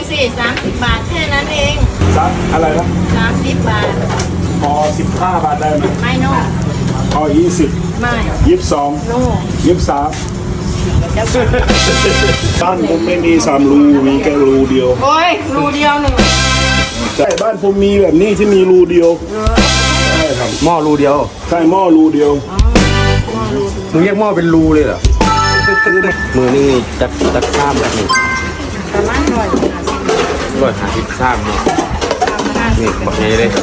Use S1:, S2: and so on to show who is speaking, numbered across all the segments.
S1: สิ30 บาทแค่นั้นเอง
S2: ซักอะไรนะ
S1: 30 บาท
S2: พอ15 บาทได้ไหม
S1: ไม่โน่
S2: พอ20
S1: ไม่
S2: 22
S1: โน่
S2: 23
S1: เดี๋ยว
S2: บ้านผมไม่มี3 รูมีแค่รูเดียว
S1: โอ้ยรูเดียวหนึ่ง
S2: ใช่บ้านผมมีแบบนี้ที่มีรูเดียวใช่ครับ
S3: หม้อรูเดียว
S2: ใช่หม้อรูเดียว
S3: หนูแยกหม้อเป็นรูเลยเหรอมือนี่จักข้ามแบบนี้
S1: ประมาณ
S3: 150ข้ามเนาะนี่บอกไงเลย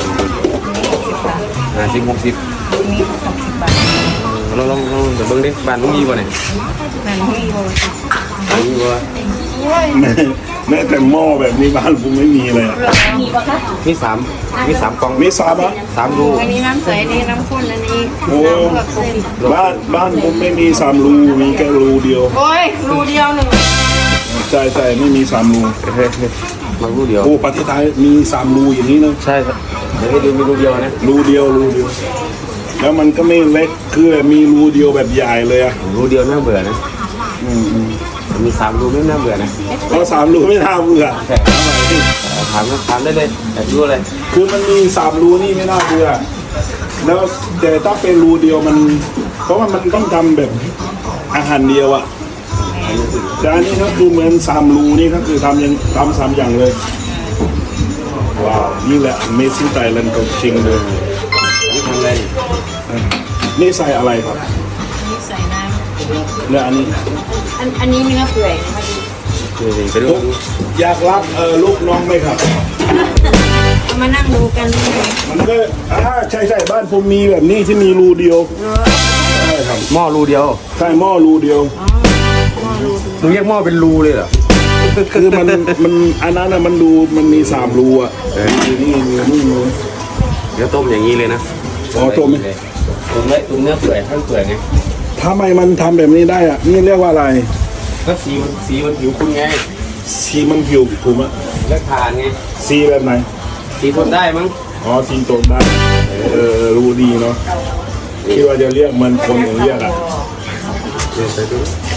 S3: 50 60
S1: มี60 บาท
S3: ลองเดี๋ยวเบิ้งดิบ้านลุงยี่บ่เนี่ย
S1: นั่นมีโบ
S3: บ้านลุงยี่บ่
S1: โอ้ย
S2: แม้แต่หม้อแบบนี้บ้านผมไม่มีเลยอะ
S3: มี3กล่อง
S2: มี3 อ่ะ
S3: 3รู
S1: อันนี้น้ำใสนี่น้ำข้นอันนี้
S2: โอ้
S1: น้ำเผือกเส้น
S2: บ้านผมไม่มี3 รูมีแค่รูเดียว
S1: โอ้ยรูเดียวหนึ่ง
S2: ใช่ไม่มี3 รู
S3: เฮ้ยมารูเดียว
S2: โอ้ประเทศไทยมี3 รูอย่างนี้นะ
S3: ใช่ครับเดี๋ยวให้ดูมีรูเดียวนะ
S2: รูเดียว แล้วมันก็ไม่เล็กคือมีรูเดียวแบบใหญ่เลยอะ
S3: รูเดียวน่าเบื่อนะมี3รูไม่น่าเบื่อนะ
S2: เพราะ3 รูไม่น่าเบื่อ
S3: ใช่ถามได้เลยอยากรู้อะไร
S2: คือมันมี3 รูนี่ไม่น่าเบื่อแล้วแต่ถ้าเป็นรูเดียวมัน เพราะว่ามันต้องทำแบบอาหารเดียวอะแต่อันนี้ก็คือเหมือน3 รูนี่ก็คือทำ3 อย่างเลยว้าวนี่แหละ Amazing Thailand ของจริงเลย
S3: นี่ทำอะไร
S2: นี่ใส่อะไรครับ
S1: นี่ใส่น้
S2: แล้วอันนี้
S1: ำอันนี้เนื้อเปื่อยนะคะดี
S3: นี่ไปดู
S2: อยากรับลูกน้องไหมครับ
S1: เอามานั่งดูกันเลย
S2: มันก็ใช่บ้านผมมีแบบนี้ที่มีรูเดียวใช่ครับ
S3: หม้อรูเดียว
S2: ใช่หม้อรูเดียว
S3: หนูแยกหม้อเป็นรูเลยเหรอ
S2: คือมันอันนั้นน่ะมันดูมันมี3 รูอ่ะนี่มีนี่มี
S3: เดี๋ยวต้มอย่างนี้เลยนะ
S2: อ๋อต้มไหม
S3: ต้มเลยต้มเนื้อเปื่อยทั้งเปื่อยไง
S2: ทำไมมันทำแบบนี้ได้อ่ะนี่เรียกว่าอะไร
S3: ก็สีมันผิวคุณไง
S2: สีมันผิวผมอ่ะ
S3: เลือกทานไง
S2: สีแบบไหน
S3: สีทนได้มั้ง
S2: อ๋อสีตรงได้รูดีเนาะคิดว่าจะเรียกมันคนอย่างเรียกอ่ะ
S3: เดี๋ยวไปดู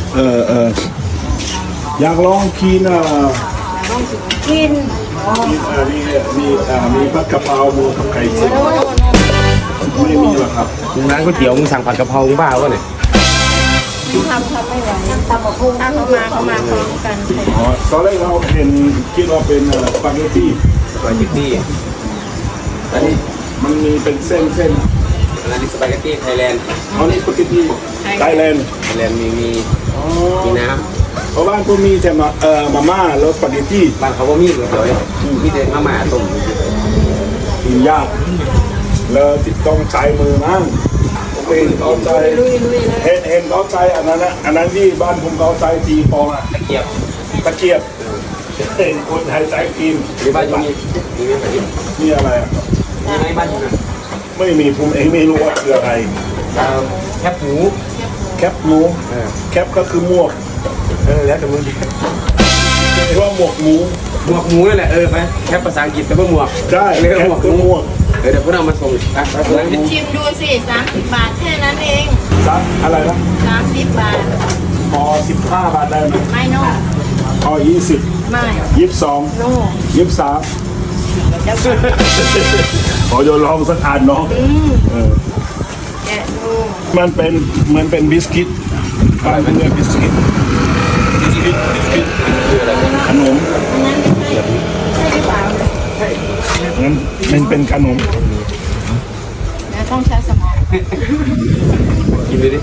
S2: อยากลองกิน
S1: กิน
S2: มีผัดกะเพราหมูกับไก่เจียวไม่มีหรอครับ
S3: ร้านก๋วยเตี๋ยวมึงสั่งผัดกะเพรามึงบ้าวะเนี่ย
S1: ทำไม่ไหวตำบักหุ่งถ้าเขามาพร้อมกัน
S2: อ๋อตอนแรกเราคิดว่าเป็นสปาเกตตี้
S3: สปาเกตตี้อันนี้
S2: มันมีเป็นเส้น
S3: อันนี้สปาเกตตี้ไทยแลนด์
S2: เอานี่สปาเกตตี้ไทยแลนด์
S3: ไทยแลนด์มีน้
S2: เพราะบ้านผมมีแต่มาม่าแล้วสปาเกตตี้
S3: ำบ้านเขาก็มีก๋วยเตี๋ยวมีแต่มาม่าต้ม
S2: กินยากแล้วต้องใช้มือมั่งผมเองเขาใช้เห็นเขาใช้อันนั้นนะอันนั้นที่บ้านผมเขาใช้ตีฟองอ่ะ
S3: ตะเกียบ
S2: ตะเกียบเห็นคนไทยใช้กิน
S3: หรือบ้านอยู่มีไหมตะเกียบ
S2: นี่อะไรอ่ะ
S3: มีไหมบ้านอยู่นะ
S2: ไม่มีผมเองไม่รู้ว่าคืออะไร
S3: แคบหมู
S2: แคปหมูแคปก็คือหมวก
S3: แล้วแต่มึง
S2: เรียกว่าหมวกหมู
S3: หมวกหมูนั่นแหละไปแคปภาษาอังกฤษแต่ว่าหมวก
S2: ใช่
S3: เรียก
S2: แคป
S3: หมวก
S2: คือ
S3: ห
S2: ห
S3: มู
S2: มวก
S3: เดี๋ยวพวกเรามาส่งอ่ะไปนั่งดิ
S1: ชิมดูสิ30 บาทแค่นั้นเอง
S2: ซักอะไรนะ
S1: 30 บาท
S2: พอ15 บาทได้ไหม
S1: ไม่โน่
S2: พอ20
S1: ไม่
S2: 22
S1: โน่
S2: 23
S1: เดี๋ยว
S2: ขอโยนลองสักอันเนาะ
S1: แกะดู
S2: มันเป็นบิสกิตอะไรเป็นบิสกิตขนม
S1: นั่นไม่ใช่ใช่หรือเปล่า
S2: งั้นมันเป็นขนม
S1: แล้วต้องใช้สมอง
S3: กินเลยดิ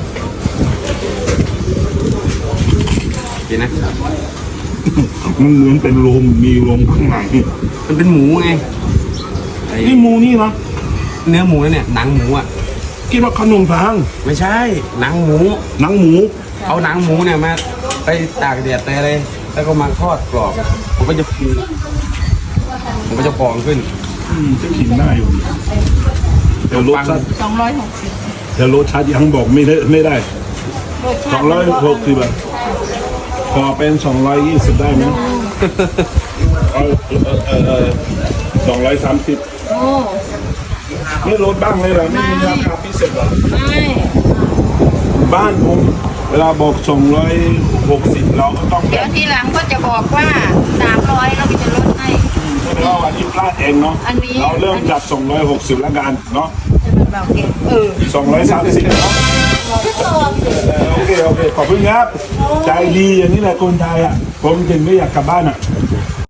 S3: กินนะ
S2: มันเหมือนเป็นลมมีลมข้างใน
S3: มันเป็นหมูไง
S2: นี่หมูนี่นะ
S3: เนื้อหมูนั่นเนี่ยหนังหมูอ่ะ
S2: คิดว่าขนมพัง
S3: ไม่ใช่หนังหมู
S2: หนังหมู
S3: เอาหนังหมูเนี่ยมาไปตากแดดไปอะไรแล้วก็มาทอดกรอบมันก็จะฟูมันก็จะฟองขึ้น
S2: จะกินได้อยู่แต่รสชาติ
S1: 260
S2: แต่รสชาติยังบอกไม่ได้
S1: รสชาติมันก็
S2: 260บาทพอเป็น220ได้ไหม230
S1: โอ้
S2: ไม่ลดบ้างเลยเหรอไม่มีราคาพิเศษเหรอ
S1: ไม่
S2: บ้านผมเวลาบอก260เราก็ต้องแบ
S1: เดี๋ยว
S2: บ
S1: ทีหลังก็จะบอกว่า300เราก็จะล
S2: เองเนาะ
S1: อันนี้
S2: เราเริ่มจาก260แล้วกันเนาะ
S1: จะเป็นแบบเก็บ
S2: 230เนาะโอเคขอบคุณครับใจดีอย่างนี้แหละคนไทยอ่ะผมถึงไม่อยากกลับบ้านอ่ะ